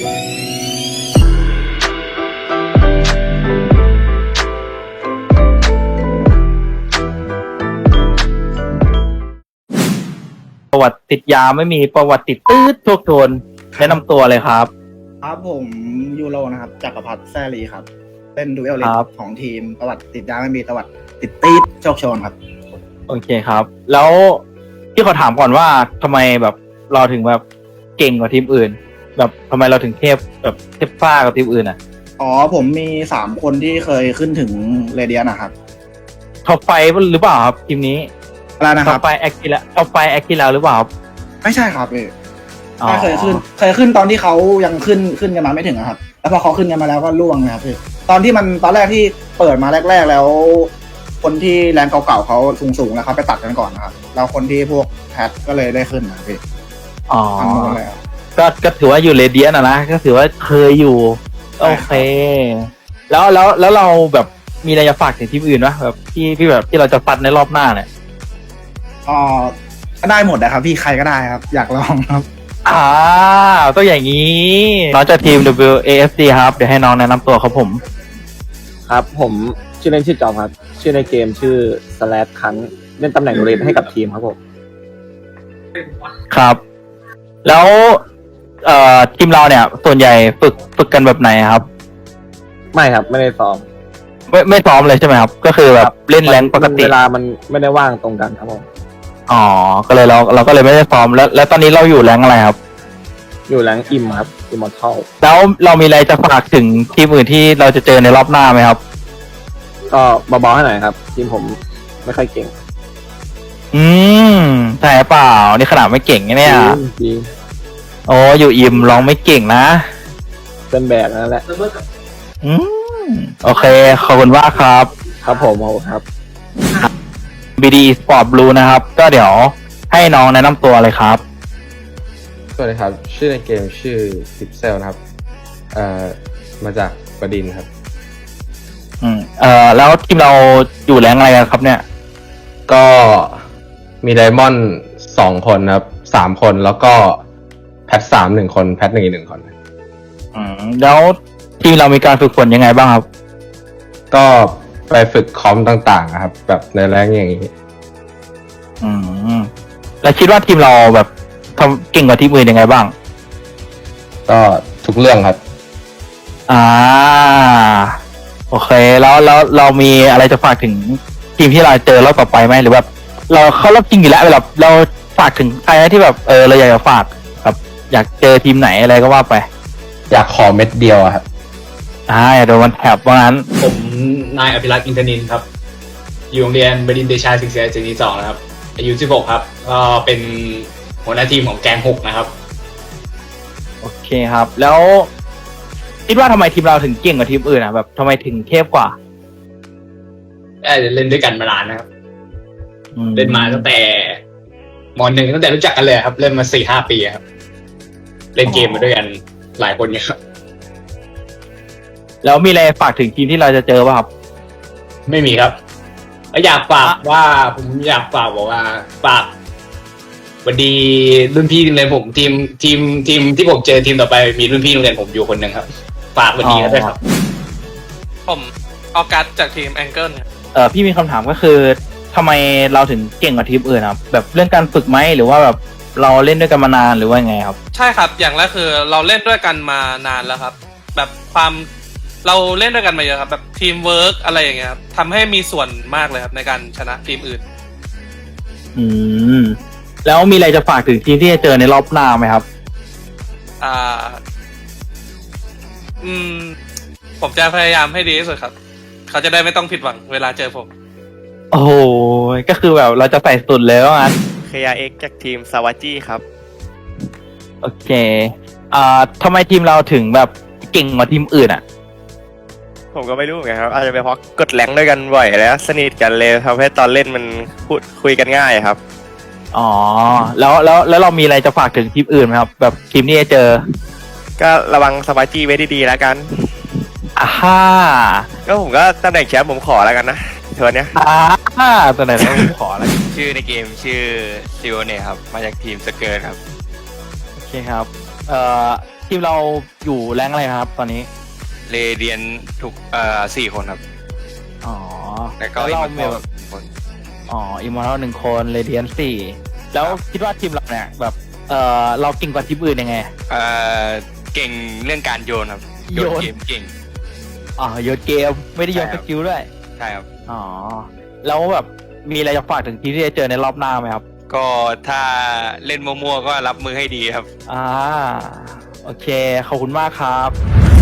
ประวัติติดยาไม่มีประวัติติดตืดโชคโชนแนะนำตัวเลยครับครับผมยูโรนะครับจักรพัฒน์แซลีครับเป็นดูเอลลิสของทีมประวัติติดยาไม่มีประวัติติดตีดโชคโชนครับโอเคครับแล้วที่ขอถามก่อนว่าทำไมแบบเราถึงแบบเก่งกว่าทีมอื่นแบบทำไมเราถึงเทพแบบเทพฟ้ากว่าทีมอื่นอ่ะอ๋อผมมี3คนที่เคยขึ้นถึงเรเดียนนะครับท็อปไฟหรือเปล่าครับทีมนี้อะไรนะคท็รัอปไฟแอคทีแล้วท็อปไฟแอคทีแล้วหรือเปล่าครับไม่ใช่ครับไม่เคยขึ้นตอนที่เขายังขึ้นกันมาไม่ถึงครับแล้วพอเขาขึ้นกันมาแล้วก็ล่วงนะครับตอนแรกที่เปิดมาแรกๆแล้วคนที่แรงเก่าๆเขาสูงๆแล้วเขาไปตัดกันก่อนนะครับแล้วคนที่พวกแพทก็เลยได้ขึ้นนะครับอ๋อก็ถือว่าอยู่เรเดียนนะก็ถือว่าเคยอยู่โอเคแล้วเราแบบมีอะไรจะฝากถึงทีมอื่นวะแบบที่แบบที่เราจะปัดในรอบหน้าเนี่ยก็ได้หมดนะครับพี่ใครก็ได้ครับอยากลองครับต้องอย่างนี้น้องจากทีม WAFC ครับเดี๋ยวให้น้องแนะนำตัวครับผมครับผมชื่อเล่นชื่อจอมครับชื่อในเกมชื่อสแลชคันเล่นตำแหน่งเรนให้กับทีมครับผมครับแล้วทีมเราเนี่ยส่วนใหญ่ฝึกกันแบบไหนครับไม่ครับไม่ได้ซ้อมไม่ซ้อมเลยใช่ไหมครับก็คือแบบเล่นแรงปกติเวลามันไม่ได้ว่างตรงกันครับผมอ๋อก็เลยเราก็เลยไม่ได้ซ้อมแล้วตอนนี้เราอยู่แรงอะไรครับอยู่แรงอิมครับอิมมอร์ทัลแล้วเรามีอะไรจะฝากถึงทีมอื่นที่เราจะเจอในรอบหน้าไหมครับก็เบาๆให้หน่อยครับทีมผมไม่ค่อยเก่งใช่เปล่านี่ขนาดไม่เก่งเนี่ยจริงโอ้อยู่อิมร้องไม่เก่งนะเป็นแบบนั่นแหละโอเคขอบคุณมากครับครับผมครับ BD Sport Blue นะครับก็เดี๋ยวให้น้องแนะนำตัวเลยครับสวัสดีครับชื่อในเกมชื่อซิปเซลนะครับมาจากประดินครับแล้วทีมเราอยู่แรงอะไรกันครับเนี่ยก็มีไดมอนด์2 คนครับ3 คนแล้วก็แพท3 1 คนแพท1อีก1 คนแล้วทีมเรามีการฝึกฝนยังไงบ้างครับก็ไปฝึกคอมต่างๆครับแบบในแรงอย่างนี้แล้วคิดว่าทีมเราแบบทำเก่งกว่าทีมอื่นยังไงบ้างก็ทุกเรื่องครับโอเคแล้วเรามีอะไรจะฝากถึงทีมที่เราเจอรอบต่อไปไหมหรือแบบเราเข้ารอบจริงอยู่แล้วแบบเราฝากถึงใครที่แบบเราอยากจะฝากแบบอยากเจอทีมไหนอะไรก็ว่าไปอยากขอเม็ดเดียวครับอยากโดนวันแถบว่างั้นผมนายอภิรักษ์อินทนินครับอยู่โรงเรียนบดินทร์เดชาศึกษาปีที่2นะครับอายุ16ครับก็เป็นหัวหน้าทีมของแกง6นะครับโอเคครับแล้วคิดว่าทำไมทีมเราถึงเก่งกว่าทีมอื่นอ่ะแบบทำไมถึงเทพกว่าเล่นด้วยกันมานานนะครับเล่นมาตั้งแต่ม.1ตั้งแต่รู้จักกันเลยครับเล่นมา 4-5 ปีครับเล่นเกมมาด้วยกันหลายคนเนี่ยครับแล้วมีอะไรฝากถึงทีมที่เราจะเจอป่ะครับไม่มีครับอยากฝากว่าผมอยากฝากบอกว่าฝากวันดีรุ่นพี่โรงเรียนผมทีมที่ผมเจอทีมต่อไปมีรุ่นพี่โรงเรียนผมอยู่คนหนึ่งครับฝากวันดีกันด้วยครับผมออกัสจากทีมแองเกิลพี่มีคำถามก็คือทำไมเราถึงเก่งกว่าทีมอื่นครับแบบเรื่องการฝึกไหมหรือว่าแบบเราเล่นด้วยกันมานานหรือว่าไงครับใช่ครับอย่างแรกคือเราเล่นด้วยกันมานานแล้วครับแบบเราเล่นด้วยกันมาเยอะครับแบบทีมเวิร์กอะไรอย่างเงี้ยครับทำให้มีส่วนมากเลยครับในการชนะทีมอื่นแล้วมีอะไรจะฝากถึงทีมที่จะเจอในรอบหน้าไหมครับผมจะพยายามให้ดีที่สุดครับเขาจะได้ไม่ต้องผิดหวังเวลาเจอผมโอ้โหก็คือแบบเราจะใส่สุดเลยว่างั้น KRX จากทีมซาวาจิครับโอเคทำไมทีมเราถึงแบบเก่งกว่าทีมอื่นอ่ะผมก็ไม่รู้เหมือนกันครับอาจจะเป็นเพราะกดแรงด้วยกันบ่อยแล้วสนิทกันเลยทำให้ตอนเล่นมันพูดคุยกันง่ายครับแล้วเรามีอะไรจะฝากถึงทีมอื่นไหมครับแบบทีมที่จะเจอก็ระวังซาวาจิไว้ดีๆแล้วกันก็ผมก็ตำแหน่งแชมป์ผมขอแล้วกันนะเทอร์เนี้ยตำแหน่งผมขอแล้วชื่อในเกมชื่อซิโอเน่ครับมาจากทีมสเกิร์ตครับโอเคครับทีมเราอยู่แรงอะไรครับ ตอนนี้เรเดียนทุก4 คนครับอ๋อแล้วก็เราอีกมีแบบคนอ๋ออิมมอร์1 คนเรเดียน4แล้วคิดว่าทีมเราเนี่ยแบบเราเก่งกว่าทีมอื่นยังไงเก่งเรื่องการโยนครับโยนเกมเก่งอ๋อโยนเกมไม่ได้โยนใช่สครับกิลด้วยใช่ครับอ๋อแล้วแบบมีอะไรจะฝากถึงทีมที่จะเจอในรอบหน้าไหมครับก็ถ้าเล่นมั่วๆก็รับมือให้ดีครับโอเคขอบคุณมากครับ